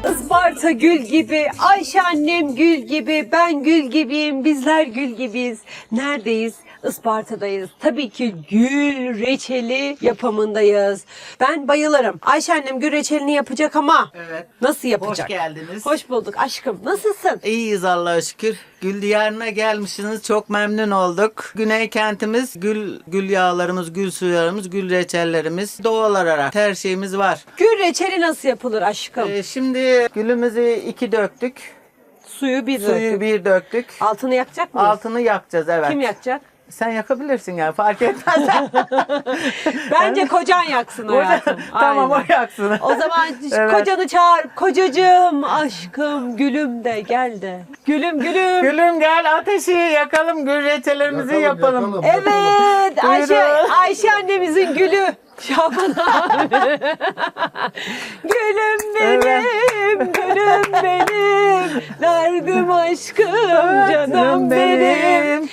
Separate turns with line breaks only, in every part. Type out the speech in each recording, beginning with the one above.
Isparta gül gibi, Ayşe annem gül gibi, ben gül gibiyim, bizler gül gibiyiz. Neredeyiz? Isparta'dayız. Tabii ki gül reçeli yapımındayız. Ben bayılırım. Ayşe annem gül reçelini yapacak ama
Evet.
nasıl yapacak?
Hoş geldiniz.
Hoş bulduk aşkım. Nasılsın?
İyiyiz Allah'a şükür. Gül diyarına gelmişsiniz. Çok memnun olduk. Güney kentimiz gül yağlarımız, gül sularımız, gül reçellerimiz doğal olarak her şeyimiz var.
Gül reçeli nasıl yapılır aşkım?
Şimdi gülümüzü 2 döktük.
Suyu bir
Suyu
döktük.
1 döktük.
Altını yakacak mıyız?
Altını yakacağız, evet.
Kim yakacak?
Sen yakabilirsin yani, fark etmez.
Bence kocan yaksın hayatım.
Tamam,
Aynen.
o yaksın.
O zaman
Evet.
kocanı çağır. Kocacığım, aşkım, gülüm de gel de. Gülüm gülüm.
Gülüm gel, ateşi yakalım, gül reçellerimizi yapalım.
Evet,
Buyurun.
Ayşe annemizin gülü. Şaban abi. Gülüm benim, gülüm benim. Derdim aşkım, canım benim.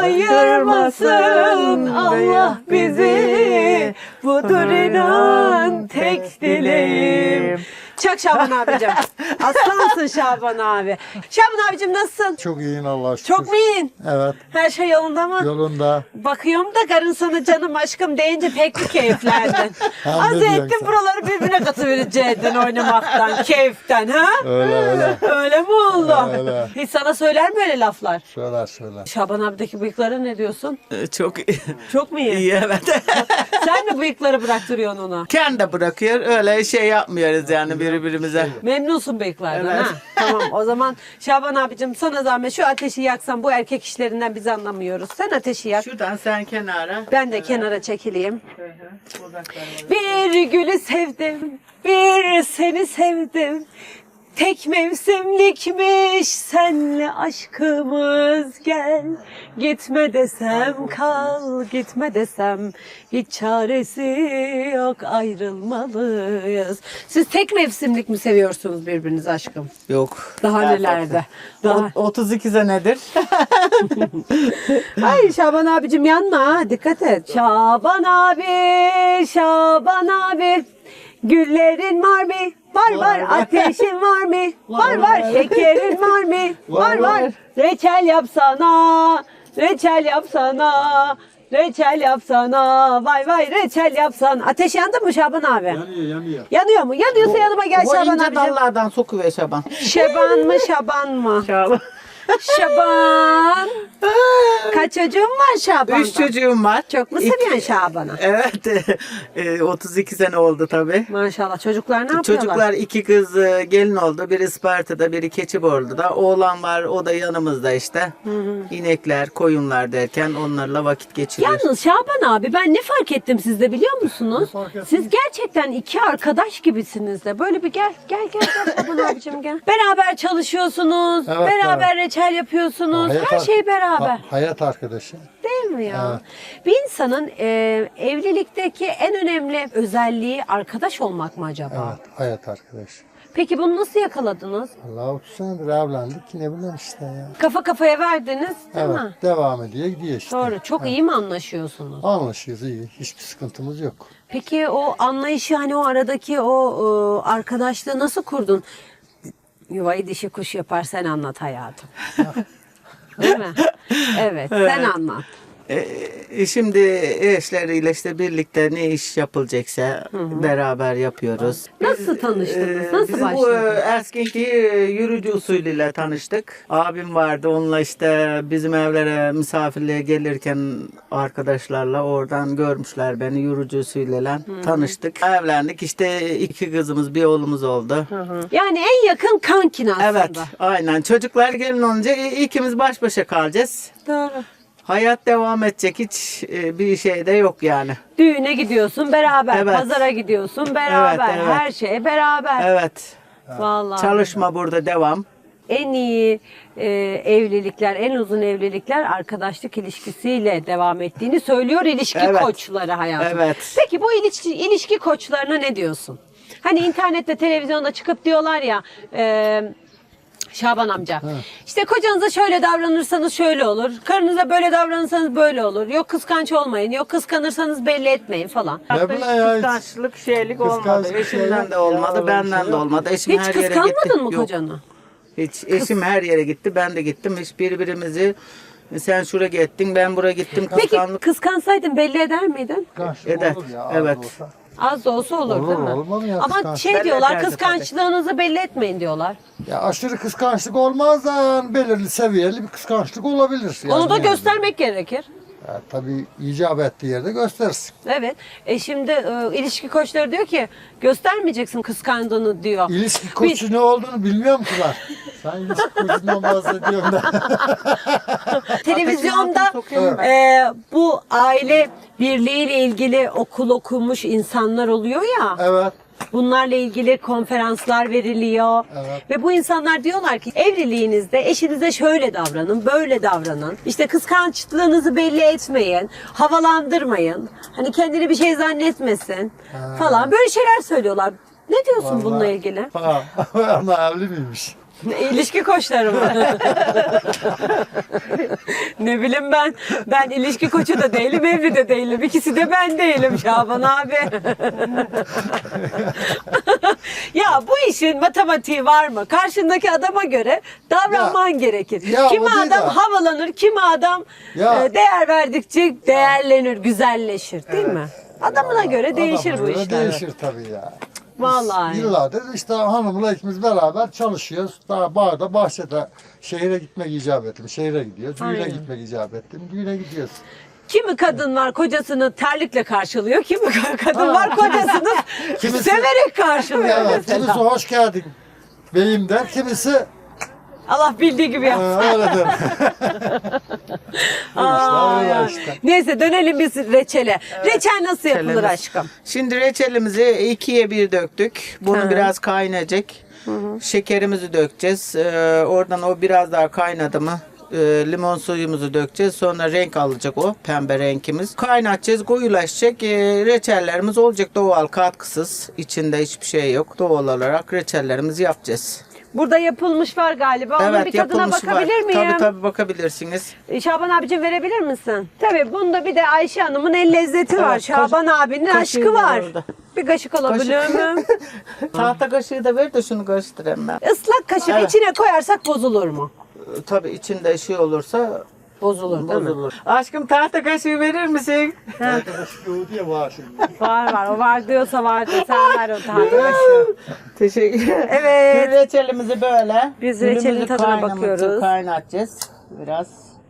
Ayırmasın Allah bizi. Budur inan tek dileğim. Çak Şaban abicim. Aslansın Şaban abi. Şaban abicim nasılsın?
Çok iyiyin Allah'a şükür.
Çok mu iyisin?
Evet.
Her şey yolunda mı?
Yolunda.
Bakıyorum da karın sana canım aşkım deyince pek bir keyiflendin.
Ha,
Az
ne diyorsun
ettin
sen?
buraları birbirine katıvereceydin oynamaktan, keyiften ha?
Öyle.
Öyle mi oldu?
Öyle.
Hiç sana söyler mi öyle laflar?
Söyler.
Şaban abideki bıyıklara ne diyorsun?
Çok iyi.
Çok mu iyi?
İyi, evet.
Sen mi bıyıkları bıraktırıyorsun ona?
Kendi bırakıyor, öyle şey yapmıyoruz yani birbirimize.
Memnunsun bıyıklardan
Evet.
ha? Tamam o zaman Şaban abicim sana zahmet şu ateşi yaksan, bu erkek işlerinden biz anlamıyoruz. Sen ateşi yak.
Şuradan sen kenara.
Ben de kenara çekileyim.
Uzaklara.
Bir gülü sevdim, bir seni sevdim. Tek mevsimlikmiş senle aşkımız, gel. Gitme desem kal, gitme desem hiç çaresi yok, ayrılmalıyız. Siz tek mevsimlik mi seviyorsunuz birbirinizi aşkım?
Yok.
Daha nelerde? Daha...
32 senedir.
Ay Şaban abicim yanma ha, dikkat et. Şaban abi, Şaban abi. Güllerin var mı? Var. Ateşin var mı? Var. Şekerin var mı? Var. Reçel yapsana. Reçel yapsana. Reçel yapsana. Vay reçel yapsana. Ateş yandı mı Şaban abi?
Yanıyor.
Yanıyor mu? Yanıyorsa yanıma gel
Bu
Şaban
ince
abicim.
dallardan sokuver Şaban.
Şaban mı?
Şaban.
Şaban. Kaç çocuğun var Şaban?
3 çocuğum var.
Çok mu seviyorsun Şaban'ı?
Evet. 32 sene oldu tabii.
Maşallah. Çocuklar ne yapıyorlar?
Çocuklar 2 kız gelin oldu. Biri Isparta'da, biri Keçiborlu'da. Oğlan var, o da yanımızda işte. İnekler, koyunlar derken onlarla vakit geçiriyoruz.
Yalnız Şaban abi ben ne fark ettim sizde biliyor musunuz? Siz gerçekten iki arkadaş gibisiniz de. Böyle bir gel Şaban abicim gel. Beraber çalışıyorsunuz.
Evet,
beraber reçel yapıyorsunuz. Her şey beraber.
Hayat arkadaşı.
Değil mi ya?
Evet.
Bir insanın evlilikteki en önemli özelliği arkadaş olmak mı acaba?
Evet. Hayat arkadaşı.
Peki bunu nasıl yakaladınız?
Allah 30 senedir evlendik. Ne bileyim işte ya.
Kafa kafaya verdiniz değil
Evet.
mi?
Devam ediyor gidiyor işte.
Doğru. Çok iyi mi anlaşıyorsunuz?
Anlaşıyoruz iyi. Hiçbir sıkıntımız yok.
Peki o anlayışı hani o aradaki o arkadaşlığı nasıl kurdun? Yuvayı dişi kuş yapar sen anlat hayatım. Değil mi? Evet sen anlat.
Şimdi eşleriyle işte birlikte ne iş yapılacaksa beraber yapıyoruz.
Nasıl tanıştınız? Nasıl
Bizim bu
başladınız?
eski yürücü usulüyle tanıştık. Abim vardı, onunla işte bizim evlere misafirliğe gelirken arkadaşlarla oradan görmüşler beni, yürücü usulüyle tanıştık. Evlendik, işte 2 kızımız, bir oğlumuz oldu.
Yani en yakın kankin aslında.
Evet, aynen. Çocuklar gelin olunca ikimiz baş başa kalacağız.
Doğru.
Hayat devam edecek, hiç bir şey de yok yani.
Düğüne gidiyorsun beraber,
Evet.
pazara gidiyorsun beraber,
Evet.
her şeye beraber.
Evet.
Vallahi.
Çalışma burada devam.
En iyi evlilikler, en uzun evlilikler arkadaşlık ilişkisiyle devam ettiğini söylüyor ilişki
Evet.
koçları hayatım.
Evet.
Peki bu ilişki koçlarına ne diyorsun? Hani internette, televizyonda çıkıp diyorlar ya Şaban amca. İşte kocanıza şöyle davranırsanız şöyle olur. Karınıza böyle davranırsanız böyle olur. Yok kıskanç olmayın. Yok kıskanırsanız belli etmeyin falan.
Ne bileyim ya, hiç
Kıskançlık, şeylik olmadı.
kıskançlık,
Eşimden
şeylik
de olmadı,
ya, öyle bir
benden
şey
de
yok.
olmadı. Eşim
Hiç
her yere gitti.
kıskanmadın mı
Yok.
kocanı?
Hiç. Eşim her yere gitti, ben de gittim. Hiç birbirimizi sen şuraya gittin, ben buraya gittim.
Peki
Kıskanlık
kıskansaydın belli eder miydin?
kıskançlık
eder.
olur ya, az
Evet.
olsa.
Az da olsa olur,
Olur,
değil mi?
olmaz mı ya
Ama
kıskançlık?
şey
Belli
diyorlar,
ederdi
kıskançlığınızı belli etmeyin diyorlar.
Ya aşırı kıskançlık olmaz da yani belirli seviyeli bir kıskançlık olabilir. Yani
Onu da
yani.
göstermek gerekir.
Ya, tabii icap ettiği yerde göstersin.
Evet. Şimdi ilişki koçları diyor ki göstermeyeceksin kıskandığını diyor.
İlişki koçu ne olduğunu bilmiyor musunlar? Sen ilişki koçundan bahsediyorsun da.
Televizyonda
Ateşin altına sokuyorum
bu aile birliğiyle ilgili okul okumuş insanlar oluyor ya.
Evet.
Bunlarla ilgili konferanslar veriliyor.
Evet.
Ve bu insanlar diyorlar ki evliliğinizde eşinize şöyle davranın, böyle davranın. İşte kıskançlığınızı belli etmeyin, havalandırmayın. Hani kendini bir şey zannetmesin falan. Böyle şeyler söylüyorlar. Ne diyorsun bununla
Vallahi.
ilgili?
Ha, ama evli miymiş?
İlişki koçları mı? Ne bileyim ben. Ben ilişki koçu da değilim, evli de değilim. İkisi de ben değilim Şaban abi. Ya bu işin matematiği var mı? Karşındaki adama göre davranman gerekir.
ya
Kimi
o değil
adam
de.
havalanır, kimi adam
Ya.
değer verdikçe değerlenir, güzelleşir değil mi? Adamına göre değişir
Adama
bu
göre
işler.
Değişir tabii ya.
Vallahi.
Yıllardır işte hanımla ikimiz beraber çalışıyoruz. Daha bağda, bahçede şehire gitmek icap ettim. Şehire gidiyoruz. Düğüne
Aynen.
gitmek icap ettim. Düğüne gidiyoruz.
Kimi kadın var kocasını terlikle karşılıyor, kimi kadın var kocasını
Kimisi-
severek karşılıyor
Evet,
mesela.
kimisi hoş geldin beyim der, kimisi
Allah bildiği gibi yapsın.
öyle der.
Aa,
öyle
ya.
işte.
Neyse dönelim biz reçele. Reçel nasıl yapılır
reçelimiz.
aşkım?
Şimdi reçelimizi ikiye bir döktük. Bunu
Hı.
biraz kaynayacak. Şekerimizi dökeceğiz. Oradan o biraz daha kaynadı mı limon suyumuzu dökeceğiz. Sonra renk alacak o pembe renkimiz. Kaynatacağız, koyulaşacak. Reçellerimiz olacak doğal, katkısız. İçinde hiçbir şey yok. Doğal olarak reçellerimizi yapacağız.
Burada yapılmış var galiba. Onun bir tadına
yapılmış var.
bakabilir miyim?
Tabii bakabilirsiniz.
Şaban abicim verebilir misin? Tabii bunda bir de Ayşe Hanım'ın el lezzeti var.
Evet,
Şaban abinin
kaşığı
aşkı var.
orada.
Bir kaşık alabilir miyim?
Tahta kaşığı da ver de şunu karıştırayım ben.
Islak kaşık
Evet.
içine koyarsak bozulur mu?
Tabii içinde şey olursa
Bozulur değil mi?
bozulur. Aşkım tahta kaşığı verir misin?
Şu diye var şimdi.
Var. O var diyorsa var. Sen ver o tahtı kaşığı.
Teşekkür ederim.
Evet.
Reçelimizi böyle.
Biz reçelin
gülümüzü
tadına bakıyoruz.
Kaynatacağız biraz.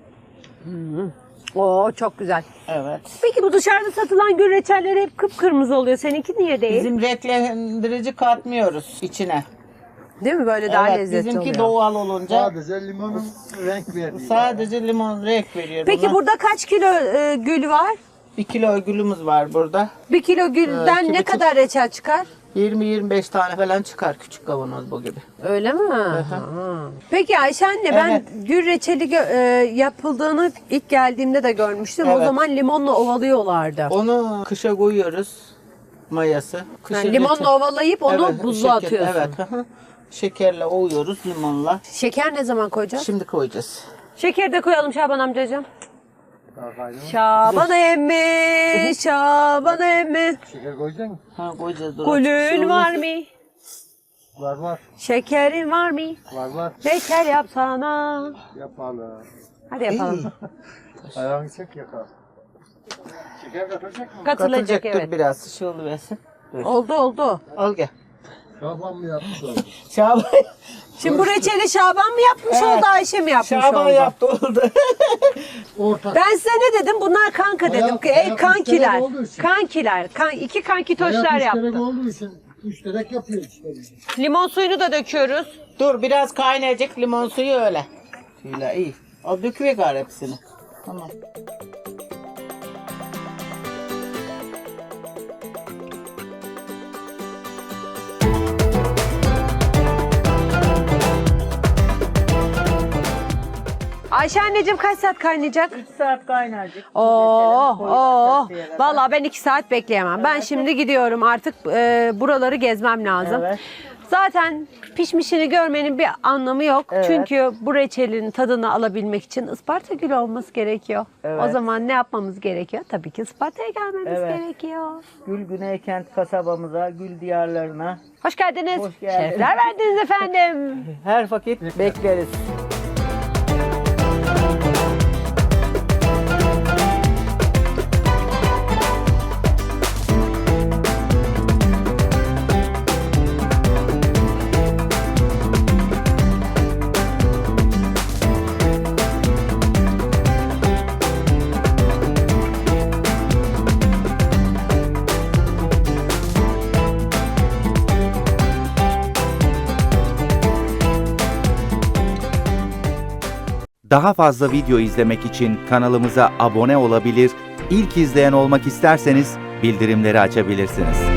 Oo çok güzel.
Evet.
Peki bu dışarıda satılan gül reçelleri hep kıpkırmızı oluyor. Seninki niye değil?
Bizim renklendirici katmıyoruz içine.
Değil mi? Böyle daha
Evet,
lezzetli
bizimki
oluyor.
doğal olunca
Sadece limonun renk verdiği.
sadece limon renk veriyor.
Peki
buna.
burada kaç kilo gül var?
1 kilo gülümüz var burada.
1 kilo gülden
iki
ne
buçuk.
kadar reçel çıkar?
20-25 tane falan çıkar küçük kavanoz bu gibi.
Öyle mi? Ha. Peki Ayşe anne ben
Evet.
gül reçeli yapıldığını ilk geldiğimde de görmüştüm. O
Evet.
zaman limonla ovalıyorlardı.
Onu kışa koyuyoruz mayası. Kışın
Yani limonla
reçel-
ovalayıp onu
Evet,
buzluğa
şeker-
atıyorsun.
Evet. hı hı. Şekerle ovuyoruz limonla.
Şeker ne zaman koyacağız?
Şimdi koyacağız.
Şeker de koyalım Şaban amcacığım. Şaban emmi, Şaban emmi.
Şeker koyacaksın mı?
Ha koyacağız. dur.
Gülün var mı?
Var.
Şekerin var mı?
Var.
Reçel yapsana.
Yapalım.
Hadi yapalım.
Ayağını çek yakar. Şeker katacak mı?
Katılacak
Katılacak
evet.
dur biraz şey oluversin.
Oldu.
Al gel.
Şaban mı yapmış oldu?
Şaban,
Şimdi bu reçeli Şaban mı yapmış
Evet.
oldu, Ayşe mi yapmış
Şaban
oldu?
yaptı oldu.
Ortak.
Ben size ne dedim? Bunlar kanka dedim.
Hayat-
Ey
hayat
kankiler.
müşterek olduğu için.
Kankiler. İki kankitoşlar
Hayat
yaptı.
müşterek olduğu için müşterek yapıyor işte.
Limon suyunu da döküyoruz.
Dur biraz kaynayacak limon suyu öyle. Şöyle iyi. Al döküver hepsini. Tamam.
Ayşe anneciğim kaç saat kaynayacak?
3 saat kaynayacak.
Oo. Vallahi ben 2 saat bekleyemem. Ben şimdi gidiyorum artık buraları gezmem lazım.
Evet.
Zaten pişmişini görmenin bir anlamı yok.
Evet.
Çünkü bu reçelin tadını alabilmek için Isparta gülü olması gerekiyor.
Evet.
O zaman ne yapmamız gerekiyor? Tabii ki Isparta'ya gelmemiz
Evet.
gerekiyor.
Gül Güneykent kasabamıza, Gül diyarlarına
Hoş geldiniz.
Hoş geldiniz.
Şerefler verdiniz efendim.
her vakit bekleriz.
Daha fazla video izlemek için kanalımıza abone olabilir, ilk izleyen olmak isterseniz bildirimleri açabilirsiniz.